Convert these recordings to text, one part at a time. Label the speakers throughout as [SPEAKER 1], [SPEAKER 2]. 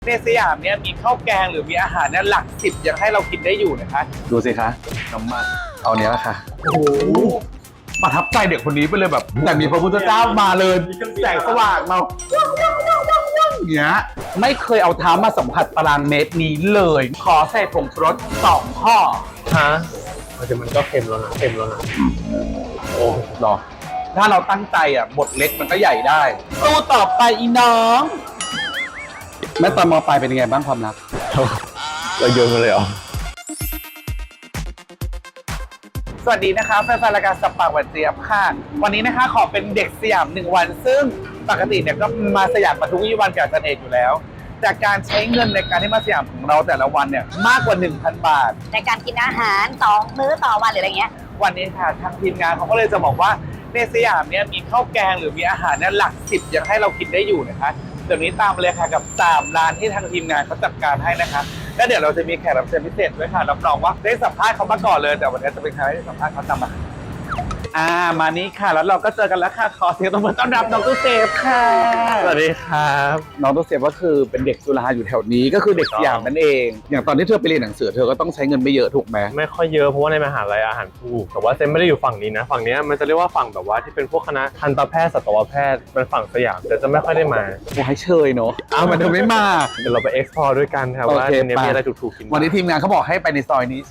[SPEAKER 1] ในสยามเนี่ยมีข้าวแกงหรือมีอาหารเนี่ยหลักสิบยังให้เรากินได้อยู่นะคะดูสิคะน้ำมันเอาเนี้ยแหละค่ะโอ้โหประทับใจเด็กคนนี้ไปเลยแบบแต่มีพระพุทธเจ้ามาเลยแสงสว่างเราเนี้ยไม่เคยเอาเท้ามาสัมผัสตารางเมตรนี้เลยขอใส่ผงชูรส2 ข้อ
[SPEAKER 2] ฮะแต่มันก็เค็มแล้วนะโอ้
[SPEAKER 1] หรอถ้าเราตั้งใจอ่ะบทเล็กมันก็ใหญ่ได้สู้ต่อไปอีน้องแม่ตอนม.ปลายเป็นยังไงบ้างความรัก
[SPEAKER 2] เราโยนมาเลยเหรอ
[SPEAKER 1] สวัสดีนะคะแฟนๆรายการสับปากหวานเจี๊ยบค่ะวันนี้นะคะขอเป็นเด็กสยาม1 วันซึ่งปกติเนี่ยก็มาสยามมาทุกวี่วันกับอาจารย์เอกอยู่แล้วจากการใช้เงินในการที่มาสยามของเราแต่ละวันเนี่ยมากกว่า 1,000 บาท
[SPEAKER 3] ในการกินอาหาร2 มื้อต่อวันหรืออะไรเงี้ย
[SPEAKER 1] วันนี้ค่ะทางทีมงานเขาก็เลยจะบอกว่าในสยามเนี่ยมีข้าวแกงหรือมีอาหารเนี่ยหลัก10ยังให้เรากินได้อยู่นะคะเดี๋ยวนี้ตามเลยค่ะกับ3 ร้านที่ทางทีมงานเขาจัดการให้นะคะแล้วเดี๋ยวเราจะมีแขกรับเชิญพิเศษด้วยค่ะรับรองว่าได้สัมภาษณ์เขามาก่อนเลยแต่วันนี้จะเป็นใครที่สัมภาษณ์เขาตามมามานี้ค่ะแล้วเราก็เจอกันแล้วค่ะขอเสียงตบมือต้อนรับน้องตู้เซฟค่ะ
[SPEAKER 2] สวัสดีครับ
[SPEAKER 1] น้องตู้เซฟก็คือเป็นเด็กจุฬาอยู่แถวนี้ก็คือเด็กสยามนั่นเองอย่างตอนที่เธอไปเรียนหนังสือเธอก็ต้องใช้เงินไม่เยอะถูกไหม
[SPEAKER 2] ไม่ค่อยเยอะเพราะว่าในมหาลัยอาหารถูกแต่ว่าเซนไม่ได้อยู่ฝั่งนี้นะฝั่งนี้มันจะเรียกว่าฝั่งแบบว่าที่เป็นพวกคณะทันตแพทย์สัตวแพทย์เป็นฝั่งสยามแต่จะไม่ค่อยได้มา
[SPEAKER 1] โอ้ให้เชยเนาะมันเธอไม่มา
[SPEAKER 2] เดี๋ยวเราไปเอ็กซ์พอร์ด้วยกันครับว่าในนี้มีอะไรถูกๆกิน
[SPEAKER 1] วันนี้ทีมงานเขาบอกให้ไปในซอยนี้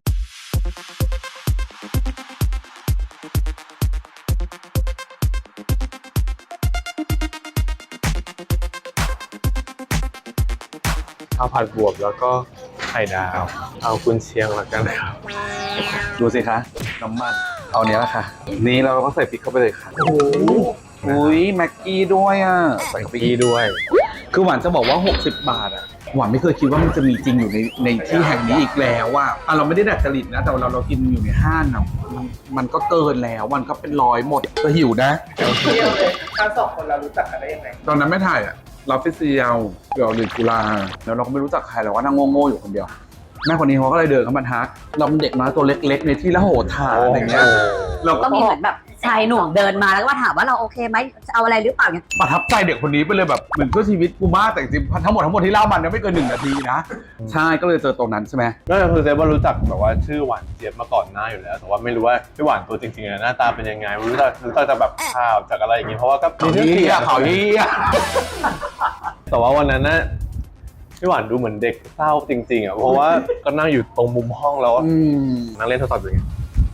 [SPEAKER 2] ข้าวผัดบวบแล้วก็ไข่ดาวเอากุนเชียงละกันครับ
[SPEAKER 1] ดูสิคะน้ำมันเอาเนี้ยแหละค่ะนี่เราก็ใส่พริกเข้าไปเลยค่ะโอ้โหอุ้ยแม็กกี้ด้วยอ่ะ
[SPEAKER 2] ใส่พริกด้วย
[SPEAKER 1] คือหวานจะบอกว่า60 บาทอ่ะหวานไม่เคยคิดว่ามันจะมีจริงอยู่ในที่แห่งนี้อีกแล้วว่าเราไม่ได้ดัดจริตนะแต่เรากินอยู่ในห้างนะมันก็เกินแล้วมันก็เป็น100หมดก็หิวนะเที่ยวเลยทั้ง2 คนเรารู้จักกันได้ยังไงตอนนั้นไม่ถ่ายอ่ะเราไปเซียวเดี๋ยวเรียนจุฬาแล้วเราก็ไม่รู้จักใครเราก็นั่งโง่ๆอยู่คนเดียวแม่คนนี้เขาก็เลยเดินเข้ามาทักเราเป็นเด็กน้อยตัวเล็กๆในที่ละโหฐานอะไรเงี้ย
[SPEAKER 3] เราก็มีเหมือนแบบชายหนุ่มเดินมาแล้วก็ถามว่าเราโอเคไหมจะเอาอะไรหรือเปล่าเนี่ย
[SPEAKER 1] ประทับใจเด็กคนนี้ไปเลยแบบเหมือนเพื่อชีวิตกูมากแต่จริงทั้งหมดที่เล่ามันไม่เกิน1 นาทีนะใช่ก็เลยเจอตรงนั้นใช่ไหม
[SPEAKER 2] ก็คือเซฟว่ารู้จักแบบว่าชื่อหวานเจี๊ยบมาก่อนหน้าอยู่แล้วแต่ว่าไม่รู้ว่าพี่หวานตัวจริงๆหน้าตาเป็นยังไงรู้จักจากแบบข่าวจากอะไรอย่างงี้เพราะว่าก็
[SPEAKER 1] มีชื่อเสียงข่าวเฮีย
[SPEAKER 2] แต่ว่าวันนั้นนะพี่หวานดูเหมือนเด็กเศร้าจริงๆอ่ะเพราะว่าก็นั่งอยู่ตรงมุมห้องแล้วนั่งเล่นโทรศัพท์อยู่ไง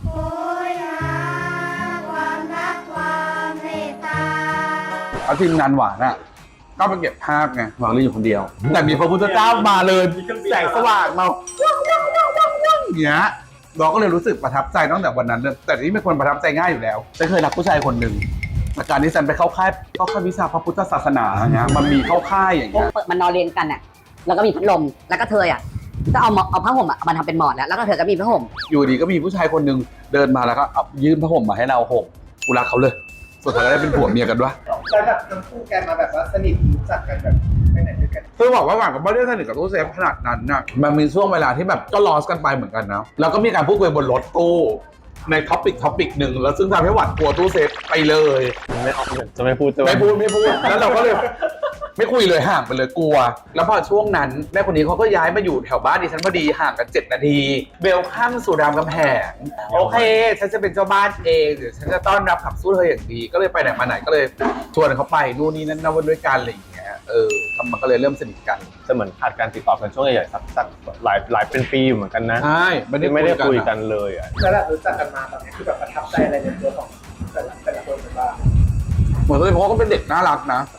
[SPEAKER 1] เอาทีมงานหวานอ่ะก็ไปเก็บภาพไงหวานเล่นอยู่คนเดียวแต่มีพระพุทธเจ้ามาเลยแสงสว่างมาเนี้ยเราก็เลยรู้สึกประทับใจตั้งแต่วันนั้นแต่ที่เป็นคนประทับใจง่ายอยู่แล้วฉันเคยรักผู้ชายคนหนึ่งแต่การที่ฉันไปเข้าค่ายวิชาพระพุทธศาสนาเนี่ยมันมีเข้าค่ายอย่างเงี้ย
[SPEAKER 3] มันนอนเรียนกันอ่ะแล้วก็มีพัดลมแล้วก็เธออ่ะก็เอาผ้าห่มอ่ะมาทำเป็นหมอนแล้วก็เธอก็มีผ้าห่ม
[SPEAKER 1] อยู่ดีก็มีผู้ชายคนหนึ่งเดินมาแล้วก็ยื่นผ้าห่มมาให้เราห่มกูรักเขาเลยสุดท้ายก็ได้เป็นผัวเมียกันด้วย
[SPEAKER 4] แล้วแบบทั้งคู่กันมาแบบว่าสนิทรู้จักกันแบบไปไหนด้วยกัน
[SPEAKER 1] คือบอกว่าหวานกับไม่ได้สนิทกับตู้เซฟขนาดนั้นนะมันมีช่วงเวลาที่แบบก็ลอสกันไปเหมือนกันนะแล้วก็มีการพูดคุยบนรถตู้ในท็อปิกหนึ่งแล้วซึ่งทำให้หวานกลัวตู้เซฟไปเลย
[SPEAKER 2] ไม่ออกจะไม่พูด
[SPEAKER 1] แล้วเราก็เลยไม่คุยเลยห่างไปเลยกลัวแล้วพอช่วงนั้นแม่คนนี้เขาก็ย้ายมาอยู่แถวบ้านดิฉันพอดีห่างกัน7 นาทีเบลข้ามสู่รามคำแหงโอเคฉันจะเป็นเจ้าบ้านเองเดี๋ยวฉันจะต้อนรับขับสู้เธออย่างดีก็เลยไปไหนมาไหนก็เลยชวนเขาไปนู่นนี่นั่นวันด้วยกันอะไรอย่างเงี้ยมันก็เลยเริ่มสนิทกัน
[SPEAKER 2] จะเหมือนขาดการติดต่อกันช่วงใหญ่ๆสักหลายเป็นปีเหมือนกันนะ
[SPEAKER 1] ใช่
[SPEAKER 2] ไม่ได้คุยกันเลยอ่ะ
[SPEAKER 4] แล้วแบบรู้จักกันมาตอนนี้คือแบบประทับใจอะไรในตัวของแต่ละคนบ้าง
[SPEAKER 1] เหมือนเลยเพราะเขาเป็นเด็กน่ารักนะ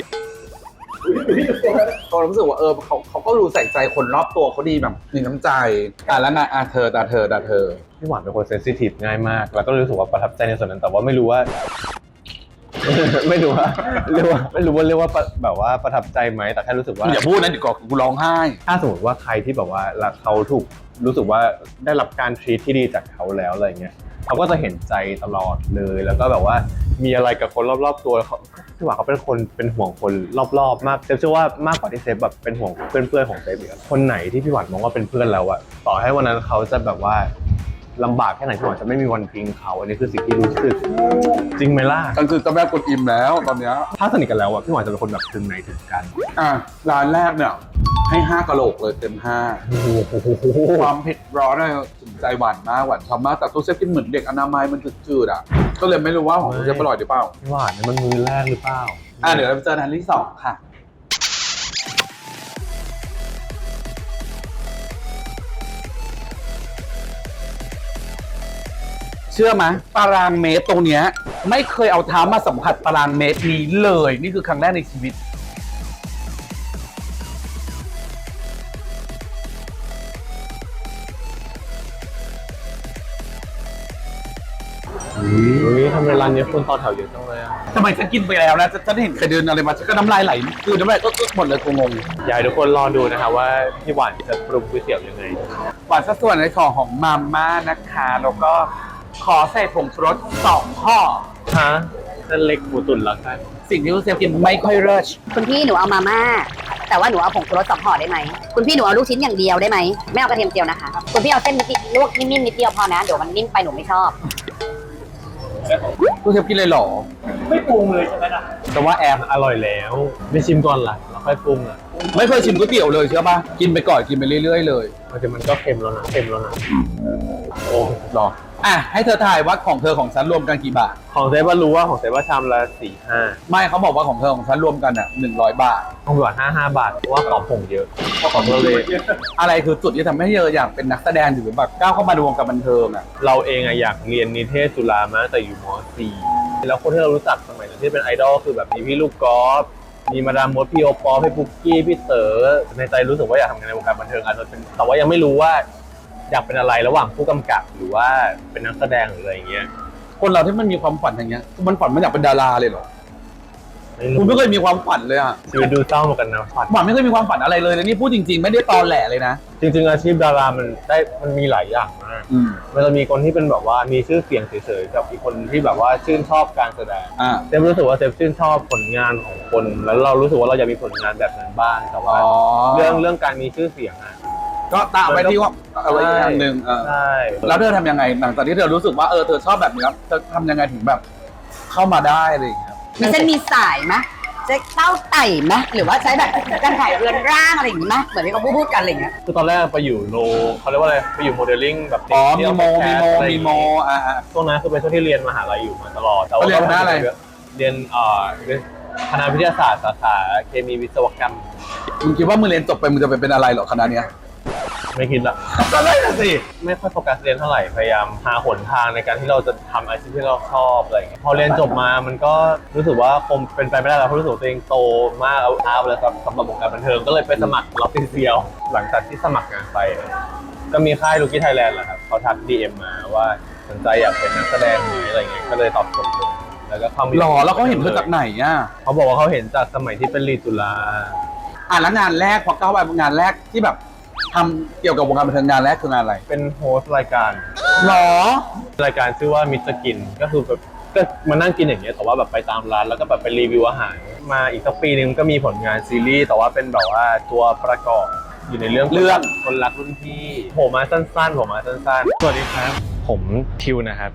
[SPEAKER 1] เรารู้สึกว่าเขาก็รู้ใส่ใจคนรอบตัวเขาดีแบบมีน้ำใจแล้วนะเธอ
[SPEAKER 2] พี่หวานเป็นคนเซนซิทีฟง่ายมากแล้วก็รู้สึกว่าประทับใจในส่วนนั้นแต่ว่าไม่รู้ว่าเรียกว่าแบบว่าประทับใจไหมแต่แค่รู้สึกว่า
[SPEAKER 1] อย่าพูดนะเดี๋ยวกูร้องไห้
[SPEAKER 2] ถ้าสมมติว่าใครที่แบบว่าเขาถูกรู้สึกว่าได้รับการทรีตที่ดีจากเขาแล้วอะไรเงี้ยเขาก็จะเห็นใจตลอดเลยแล้วก็แบบว่ามีอะไรกับคนรอบๆตัวพี่หวานเขาเป็นคนเป็นห่วงคนรอบๆมากเซฟเชื่อว่ามากกว่าที่เซฟแบบเป็นห่วงเพื่อนๆของเซฟอีกคนไหนที่พี่หวานมองว่าเป็นเพื่อนเราอะต่อให้วันนั้นเขาจะแบบว่าลำบากแค่ไหนพี่หวานจะไม่มีวันทิ้งเขาอันนี้คือสิ่งที่รู้สึกจริงไหมล่ะ
[SPEAKER 1] ก็คือเจ้าแม่กวนอิมแล้วตอนเนี้ย
[SPEAKER 2] ถ้าสนิทกันแล้วอะพี่หวานจะเป็นคนแบบถึงไหนถึงกัน
[SPEAKER 1] ร้านแรกเนี่ยให้5กะโหลกเลยเต็ม5
[SPEAKER 2] โอ้โห
[SPEAKER 1] ความเผ็ดร้อนเนี่ยถึงใจหวานมากหวานชอบมากแต่ตู้เซฟกินเหมือนเด็กอนามัยมันจืดๆอ่ะก็เลยไม่รู้ว่าของตู้เซฟอร่อยหรือเปล่า
[SPEAKER 2] พี่หวานเนี่ยมันมือแรกหรือเปล่า
[SPEAKER 1] เดี๋ยวเราไปเจอร้านที่2ค่ะเชื่อไหมตารางเมตรตรงเนี้ยไม่เคยเอาเท้ามาสัมผัสตารางเมตรนี้เลยนี่คือครั้งแรกในชีวิต
[SPEAKER 2] เฮ้ยทำไมร้านนี้คนต่อแถวเยอะจังเลยอะ
[SPEAKER 1] ทำไมฉันกินไปแล้วนะฉันเห็นใครเดินอะไรมาฉันก็น้ำลายไหลคือน้ำลายก็หมดเลยกูงง
[SPEAKER 2] อยากให้ทุกคนรอดูนะคะว่าพี่หวานจะปรุงก๋วยเตี๋ยวยังไง
[SPEAKER 1] หวานสัดส่วนในของมาม่านะคะแล้วก็ขอใส่ผงชูรส2ห่อ
[SPEAKER 2] ฮะเส้นเล็กหมูตุ๋นละกัน
[SPEAKER 1] สิ่งที่ลูกเซฟกินไม่ค่อยเลิศ
[SPEAKER 3] คุณพี่หนูเอามาม่าแต่ว่าหนูเอาผงชูรส2ห่อได้ไหมคุณพี่หนูเอาลูกชิ้นอย่างเดียวได้ไหมไม่เอากระเทียมเจียวนะคะคุณพี่เอาเส้นนิดลวกนิ่มๆนิดเดียวพอนะเดี๋ยวมันนิ่มไปหนูไม่ชอบ
[SPEAKER 1] ลูกเซฟกินเลยเหรอ
[SPEAKER 4] ไม่ปรุงเลยใช่ไหมล่ะ
[SPEAKER 1] แต่ว่าแอม
[SPEAKER 2] อร่อยแล้วไม่ชิมก่อนล่ะแล้วค่อยปรุงอ่ะ
[SPEAKER 1] ไม่เคยชิมก๋วยเตี๋ยวเลยเชื่อป่ะกินไปก่อนกินไปเรื่อยๆเลย
[SPEAKER 2] มันก็เค็มแล้วนะโอ้
[SPEAKER 1] หรอให้เธอถ่ายว่าของเธอของฉันรวมกันกี่บาท
[SPEAKER 2] ของเซฟว่ารู้ว่าของเซฟว่าชามละ4-5
[SPEAKER 1] ไม่เขาบอกว่าของเธอของฉันรวมกัน100 บาท
[SPEAKER 2] ของพี่หวาน55 บาทเพราะว่าของผงเยอะเพราะของเราเลย
[SPEAKER 1] อะไรคือจุดที่ทำให้เธออยากเป็นนักแสดงหรือแบบก้าวเข้ามาในวงการบันเทิงอ่ะ
[SPEAKER 2] เราเองอะอยากเรียนนิเทศจุฬามาตั้งแต่อยู่ม .4 แล้วคนที่เรารู้จักสมัยนั้นที่เป็นไอดอลคือแบบมีพี่ลูกกอล์ฟมีมาดามมดพี่โอปอล์พี่ปุ๊กกี้พี่เต๋อในใจรู้สึกว่าอยากทำงานในวงการบันเทิงอาจจะเป็นแต่ว่ายังไม่รู้ว่าอยากเป็นอะไรระหว่างผู้กำกับหรือว่าเป็นนักแสดงหรืออะไรอย่างเงี้ย
[SPEAKER 1] คนเราที่มันมีความฝันอย่างเงี้ยมันฝันมันอยากเป็นดาราเลยเหรอคุณไม่เคยมีความฝันเลยอ่ะ
[SPEAKER 2] ชีวิตดูเศร้าเหมือนกันนะฝัน
[SPEAKER 1] หวานไม่เคยมีความฝันอะไรเลยนะนี่พูดจริงๆไม่ได้ตอแหลเลยนะ
[SPEAKER 2] จริงๆอาชีพดารามันมีหลายอย่างมากมันจะมีคนที่เป็นแบบว่ามีชื่อเสียงเฉยๆกับอีกคนที่แบบว่าชื่นชอบการแสดงเซฟรู้สึกว่าเซฟชื่นชอบผลงานของคนแล้วเรารู้สึกว่าเราอยากมีผลงานแบบนั้นบ้างแต่ว่าเรื่องการมีชื่อเสียงอะ
[SPEAKER 1] ก็ตามไปที่ว่าอะไรอีกอย่างหนึ่ง
[SPEAKER 2] ใช่
[SPEAKER 1] แล้วเธอทำยังไงหลังจากที่เธอรู้สึกว่าเธอชอบแบบนี้แล้วเธอทำยังไงถึงแบบเข้ามาได้อะไรอย่างเงี้ย
[SPEAKER 3] มีเส้นมีสายไหมใช้เต้าไต่ไหมหรือว่าใช้แบบการถ่ายเรือนร่างอะไรอย่างงี้ไหมเหมือนที่เขาพูดกันอะไรอย่างเงี้ย
[SPEAKER 2] คือตอนแรกไปอยู่โลเขาเรียกว่าอะไรไปอยู่โมเดลลิ่งแบบ
[SPEAKER 1] มีโม
[SPEAKER 2] ช่วงนั้นคือเป็นช่วงที่เรียนมหาลัยอยู่มาตลอดแต่ว่า
[SPEAKER 1] เรียนคณะอะไร
[SPEAKER 2] เรียนคณะวิทยาศาสตร์สาขาเคมีวิศวกรรม
[SPEAKER 1] มึงคิดว่ามึงเรียนจบไปมึงจะไปเป็นอะไรเหรอคณะเนี้ย
[SPEAKER 2] ไม่คิดละ
[SPEAKER 1] ก็ได้น่ะสิ
[SPEAKER 2] ไม่ค่อยโฟกัสเรียนเท่าไหร่พยายามหาหนทางในการที่เราจะทำอาชีพที่เราชอบอะไรอย่างเงี้ยพอเรียนจบมามันก็รู้สึกว่าคงเป็นไปไม่ได้แล้วเพราะรู้สึกตัวเองโตมากเอาเลยครับสำหรับวงการบันเทิงก็เลยไปสมัครล็อบเซียวหลังจากที่สมัครงานไปก็มีค่ายลูกี้ไทยแลนด์แหละครับเขาทัก DM มาว่าสนใจอยากเป็นนักแสดงไหมอะไรเงี้ยก็เลยตอบตกลงแล้วก็เข้ามา
[SPEAKER 1] หรอแล้วเขาเห็นเธอจากไหนอ่ะ
[SPEAKER 2] เขาบอกว่าเขาเห็นจากสมัยที่เป็นลีดจุฬา
[SPEAKER 1] แล้วงานแรกพอก้าวไปงานแรกที่แบบทำเกี่ยวกับวงการบันเทิงงานแรกคืองานอะไร
[SPEAKER 2] เป็นโฮสต์รายการ
[SPEAKER 1] หรอ
[SPEAKER 2] รายการชื่อว่ามิสกินก็คือแบบก็มานั่งกินอย่างเงี้ยแต่ว่าแบบไปตามร้านแล้วก็แบบไปรีวิวอาหารมาอีกสักปีนึงก็มีผลงานซีรีส์แต่ว่าเป็นแบบว่าตัวประกอบอยู่ในเรื่องคนรักรุ่นพี่ผมมาสั้นๆสวัสดีครับผมทิวนะครับ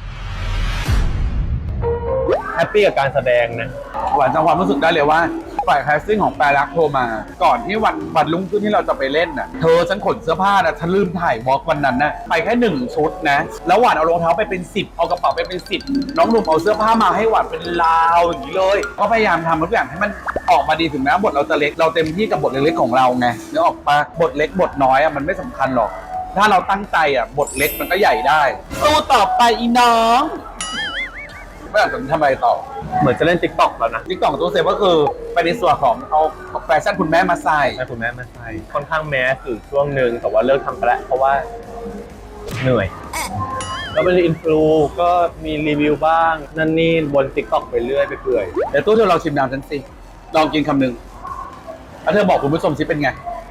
[SPEAKER 2] แฮปปี้กับการแสดงนะ
[SPEAKER 1] หวานจังความรู้สึกได้เลยว่าฝ่ายแคสติ้งของแปรรักโทรมา ก่อนที่วันรุ่งขึ้นที่เราจะไปเล่นน่ะเธอฉันขนเสื้อผ้านะฉันลืมถ่ายวอล์กวันนั้นนะไปแค่1ชุดนะแล้วหวานเอารองเท้าไปเป็น10เอากระเป๋าไปเป็น10น้องหนุ่มเอาเสื้อผ้ามาให้หวานเป็นลาวอย่างนี้เลยก็พยายามทำทุกอย่างให้มันออกมาดีถึงแม้บทเราจะเล็กเราเต็มที่กับบทเล็กๆของเราไงนึกออกปะบทเล็กบทน้อยมันไม่สำคัญหรอกถ้าเราตั้งใจบทเล็กมันก็ใหญ่ได้สู้ต่อไปอีน้องไม่อยากจะทำอะไรต่อ
[SPEAKER 2] เหมือนจะเล่น TikTok แล้วนะ
[SPEAKER 1] TikTok ของตู้เซฟก็คือไปในส่วนของเอาแฟชั่นคุณแม่มาใส่
[SPEAKER 2] แม่คุณแม่ไม่ใช่ค่อนข้างแมสอยู่ช่วงหนึ่งแต่ว่าเลิกทำไปแล้วเพราะว่าเหนื่อยก็เป็นอินฟลูก็มีรีวิวบ้างนั่นนี่บน TikTok ไปเรื่อยไปเปื่อย
[SPEAKER 1] เดี๋ยวตู้เธอลองชิมน้ำฉันสิลองกินคำหนึ่งแล้วเธอบอกคุณผู้ชมสิเป็นไง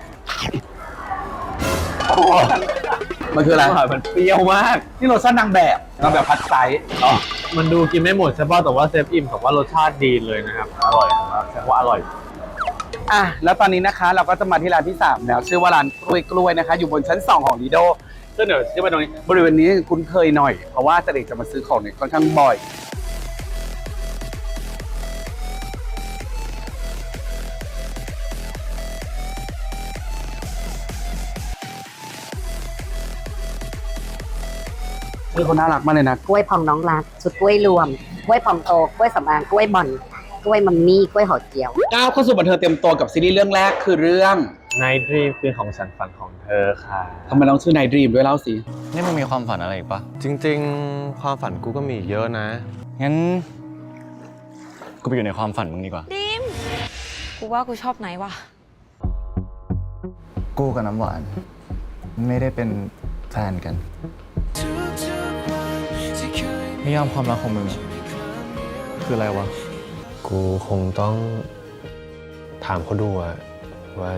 [SPEAKER 1] มันคืออะไร
[SPEAKER 2] มันเปรี้ยวมาก
[SPEAKER 1] นี่รสชาตินางแบบพัดไซส์
[SPEAKER 2] มันดูกินไม่หมดใช่ป่ะแต่ว่าเซฟอิ่มแต่ว่ารสชาติดีเลยนะครับอร่อยแสดงว่าอร่อย
[SPEAKER 1] แล้วตอนนี้นะคะเราก็จะมาที่ร้านที่3แล้วชื่อว่าร้านกล้วยนะคะอยู่บนชั้น2ของลีโด
[SPEAKER 2] ซึ่งเดี๋ยวจะไปตรงนี้
[SPEAKER 1] บริเวณนี้คุ้นเคยหน่อย เพราะว่าแต่เด็กจะมาซื้อของเนี่ยค่อนข้างบ่อยชื่อเขาน่ารักมากเลยนะ
[SPEAKER 3] กล้วยพองน้องรักชุดกล้วยรวมกล้วยพองโตกล้วยสำอางกล้วยบอนกล้วยมัมมี่กล้วยห่อเจียว
[SPEAKER 1] ก้าวเข้าสู่บันเทิงเต็มตัวกับซีรีส์เรื่องแรกคือเรื่อง
[SPEAKER 2] Night Dream คือของฉันฝันของเธอค่ะ
[SPEAKER 1] ทำไมต้องชื่อ Night Dream ด้วยเล่าสิ
[SPEAKER 5] นี่มึงมีความฝันอะไรอีกปะ
[SPEAKER 6] จริงๆ ความฝันกูก็มีอีกเยอะนะ
[SPEAKER 5] งั้น กูไปอยู่ในความฝันมึงดีกว่า
[SPEAKER 7] ดิม กูว่ากูชอบไหนวะ
[SPEAKER 5] กูกับน้ำหวาน ไม่ได้เป็นแฟนกันนิยามความรักของมึงอะคืออะไรวะ
[SPEAKER 6] กูคงต้องถามเขาดูว่า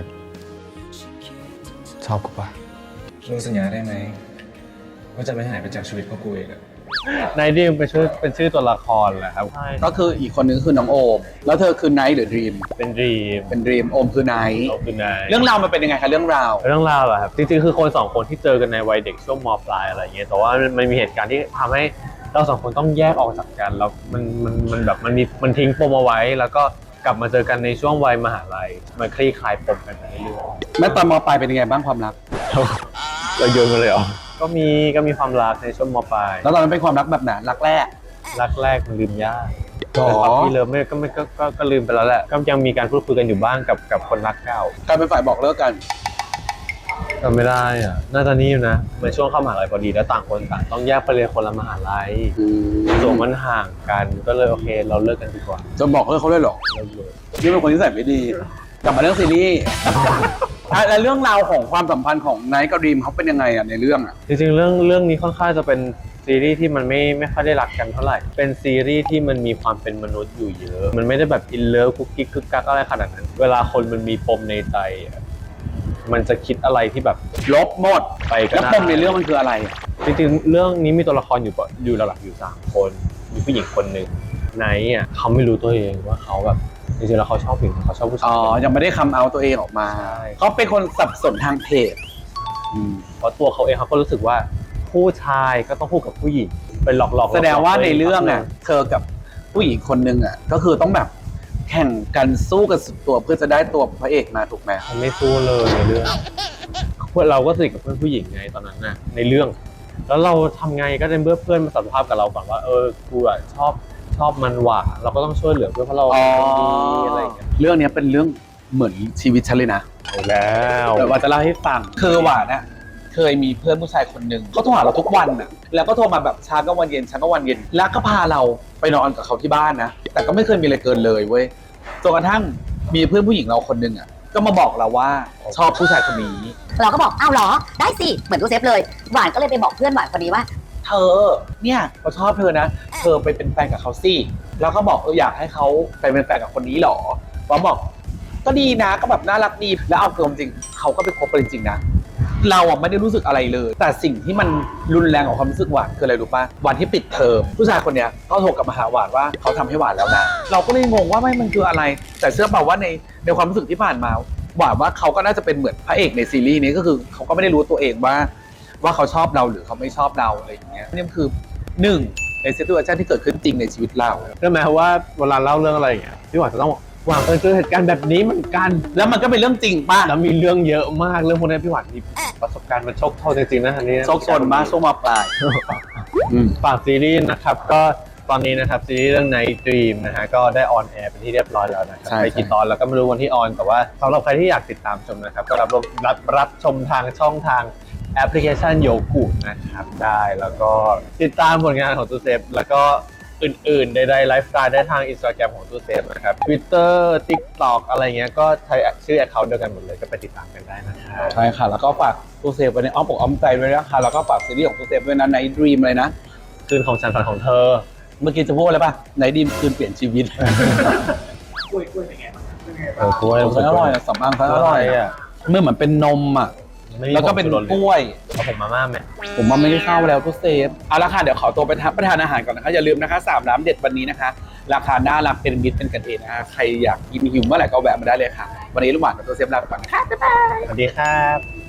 [SPEAKER 6] ชอบกูปะ
[SPEAKER 8] มึงสัญญาได้ไหมว่าจะไม่หายไปจากชีวิตพวกกูเองอะ
[SPEAKER 2] Night Dream เป็นชื่อตัวละครแหละครับ
[SPEAKER 1] ก็คืออีกคนนึงคือน้องโอม แล้วเธอคือ Night หรือ Dream
[SPEAKER 2] เป็น Dream
[SPEAKER 1] เป็น Dream โอมคือ Night
[SPEAKER 2] เราคือ Night
[SPEAKER 1] เรื่องราวมันเป็นยังไงคะเรื่องราว
[SPEAKER 2] เรื่องราวเหรอครับจริงๆคือคนสองคนที่เจอกันในวัยเด็กช่วงม.ปลายอะไรอย่างเงี้ยแต่ว่ามันมีเหตุการณ์ที่ทำให้เราสองคนต้องแยกออกจากกันแล้วมันแบบมันทิ้งปมเอาไว้ แล้วก็กลับมาเจอกันในช่วงวัยมหาลัยมันคลี่คลายปมกันไปเรื่อย
[SPEAKER 1] แม่ตอนมปลายเป็นยังไงบ้างความรัก
[SPEAKER 2] ๆเราโยนมาเลยเหรอก็มีความรักในช่วงม.ปลาย
[SPEAKER 1] แล้วตอนนั้นเป็นความรักแบบไหนรักแรก
[SPEAKER 2] รักแรกมันลืมยาก
[SPEAKER 1] หรอ
[SPEAKER 2] แต่ความที่เลิฟไม่ก็ลืมไปแล้วแหละก็ยังมีการพูดคุยกันอยู่บ้างกับคนรักเก่า
[SPEAKER 1] กลายเป็นฝ่ายบอกเลิกกัน
[SPEAKER 2] จำไม่ได้อ่ะน่าจะนี่อยู่นะมันช่วงเข้ามหาลัยพอดีแล้วต่างคนต่างต้องแยกไปเรียนคนละมหาลัยส่วนมันห่างกันก็เลยโอเคเราเลิกกันดีกว่า
[SPEAKER 1] จะบอกเลิกเขาเลยเหรอ
[SPEAKER 2] เลิกเลย
[SPEAKER 1] นี่เป็นคนที่ใส่ไม่ดี กลับมาเรื่องซีรีส์ แล้วเรื่องราวของความสัมพันธ์ของไนท์กับดรีมเขาเป็นยังไงอ่ะในเรื่องอ่ะ
[SPEAKER 2] จริงๆเรื่องนี้ค่อนข้างจะเป็นซีรีส์ที่มันไม่ค่อยได้รักกันเท่าไหร่เป็นซีรีส์ที่มันมีความเป็นมนุษย์อยู่เยอะมันไม่ได้แบบอินเลิฟคุกกิ๊กคึกกักอะไรขนาดนั้นเวลาคนมันมีปมในใจอะมันจะคิดอะไรที่แบบ
[SPEAKER 1] ลบหมด
[SPEAKER 2] ไปก็
[SPEAKER 1] แล้ว
[SPEAKER 2] ได้
[SPEAKER 1] ปมในเรื่องมันคืออะไร
[SPEAKER 2] จริงๆเรื่องนี้มีตัวละครอยู่หลักๆอยู่3คนมีผู้หญิงคนหนึ่งไนท์อ่ะเขาไม่รู้ตัวเองว่าเขาแบบจริงๆแล้วเขาชอบผู้หญิงเขาชอบผู้ชาย
[SPEAKER 1] อ๋อ ยังไม่ได้คัมเอาตัวเองออกมา
[SPEAKER 2] ใช่
[SPEAKER 1] เขาเป็นคนสับสนทางเพศ
[SPEAKER 2] เพราะตัวเขาเองเขาก็รู้สึกว่าผู้ชายก็ต้องคู่กับผู้หญิงเป็นหลอกๆ
[SPEAKER 1] แสดงว่าในเรื่องอ่ะ เธอกับผู้หญิงคนนึงอ่ะ ก็คือต้องแบบแข่งกันสู้กันสุดตัวเพื่อจะได้ตัวพระเอกมาถูกไหม
[SPEAKER 2] มันไม่สู้เลยในเรื่องพวกเราก็สนิทกับเพื่อนผู้หญิงไงตอนนั้นน่ะในเรื่อง แล้วเราทำไงก็ได้เมื่อเพื่อนมาสารภาพกับเราก่อนว่ากูอ่ะชอบมันว่ะเราก็ต้องช่วยเหลือเพื่อนเพราะเราเป็นคนดีอะไรอย่างเงี้ย
[SPEAKER 1] เรื่องนี้เป็นเรื่องเหมือนชีวิตฉันเลยนะ
[SPEAKER 2] เอาแล้ว
[SPEAKER 1] เดี๋ยวว่าจะเล่าให้ฟังคือหวานน่ะเคยมีเพื่อนผู้ชายคนหนึ่งเขาโทรหาเราทุกวันน่ะแล้วก็โทรมาแบบเช้าก็วันเย็นเช้าก็วันเย็นแล้วก็พาเราไปนอนกับเขาที่บ้านนะแต่ก็ไม่เคยมีอะไรเกินเลยเว้ยจนกระทั่งมีเพื่อนผู้หญิงเราคนหนึ่งอ่ะก็มาบอกเราว่าชอบผู้ชายคนนี้
[SPEAKER 3] เราก็บอกอ้าวเหรอได้สิเหมือนตู้เซฟเลยหวานก็เลยไปบอกเพื่อนหวานคนนี้ว่า
[SPEAKER 1] เธอเนี่ยเขาชอบเธอนะเธอไปเป็นแฟนกับเขาสิแล้วก็บอกอยากให้เขาไปเป็นแฟนกับคนนี้หรอว่าบอกก็ดีนะก็แบบน่ารักดีแล้วเอาเกินจริงเขาก็ไปคบกันจริงๆนะเราอ่ะไม่ได้รู้สึกอะไรเลย แต่สิ่งที่มันรุนแรงของความรู้สึกหวานคืออะไรรู้ป่ะวันที่ปิดเทอมผู้ชายคนเนี้ยก็โทรกลับมาหาหวานว่าเขาทำให้หวานแล้วนะเราก็เลยงงว่าไม่มันคืออะไร แต่เชื่อเปล่าว่าในความรู้สึกที่ผ่านมาหวานว่าเขาก็น่าจะเป็นเหมือนพระเอกในซีรีส์นี้ก็คือเขาก็ไม่ได้รู้ตัวเองว่าเขาชอบเราหรือเขาไม่ชอบเราอะไรอย่างเงี้ยนี่คือหนึ่งในซิทูเอชั่นที่เกิดขึ้นจริงในชีวิตเรา
[SPEAKER 2] ใช่ไหมว่าเวลาเล่าเรื่องอะไรอย่างเงี้ยพี่หวานจะต้องหวานเคยเจอเหตุการณ์แบบนี้เหมือนกัน
[SPEAKER 1] แล้วมันก็เป็นเรื่องจริงป่ะ
[SPEAKER 2] แล้วมีเรื่องเยอะมากเรื่องพวกนี้พี่หวานมีประสบการณ์มันโชคโชนจริงๆนะอันนี้นะ
[SPEAKER 1] โชคชนมากช่วงมาปลาย
[SPEAKER 2] ฝากซีรีส์นะครับก็ตอนนี้นะครับซีรีส์เรื่อง Night Dream นะฮะก็ได้ออนแอร์เป็นที่เรียบร้อยแล้วนะครับ
[SPEAKER 1] ใช่
[SPEAKER 2] ไปกี่ตอนแล้วก็ไม่รู้วันที่ออนแต่ว่าสำหรับใครที่อยากติดตามชมนะครับก็รับชมทางช่องทางแอปพลิเคชันโยกุนะครับได้แล้วก็ติดตามผลงานของตูเซฟแล้วก็อื่นๆใดๆไลฟ์สไตล์ได้ทาง Instagram ของตูเซฟนะครับ Twitter TikTok อะไรเงี้ยก็ใช้ชื่อ account เดียวกันหมดเลยก็ไปติดตามกันได้นะครับ
[SPEAKER 1] ใช่ค่ะ แล้วก็ฝากตูเซฟไว้ในอ้อมอกอ้อมใจด้วยนะคะแล้วก็ฝากซีรีส์ของตูเซฟด้วยนะในดรีมเลยนะ
[SPEAKER 2] คืนของฉันฝันของเธอ
[SPEAKER 1] เมื่อกี้จะพูดอะไรป่ะในดรีมคืนเปลี่ยนชีวิต
[SPEAKER 4] กล้วยเป็นไงบ้างเป็นไง
[SPEAKER 2] เอ
[SPEAKER 4] บ้าง
[SPEAKER 2] อกล้วย
[SPEAKER 1] อร่อยอะสำอางเขาอร่อยอะเมื่อเหมือนเป็นนมอ่ะแล้วก็เป็นกล้วย
[SPEAKER 2] เอาผมมาม่าไหม
[SPEAKER 1] ผมว่าไม่ได้เข้าแล้วตูเซฟเอาละค่ะเดี๋ยวขอตัวไปทานอาหารก่อนนะคะอย่าลืมนะคะ3ร้านเด็ดวันนี้นะคะราคาน่ารักเป็นมิตรเป็นกันเองนะคะใครอยากกินหิวเมื่อไหร่ก็แวะมาได้เลยค่ะวันนี้ลูกหวานกับตูเซฟลาไปก่อนนะคะ
[SPEAKER 2] สวัสดีครับ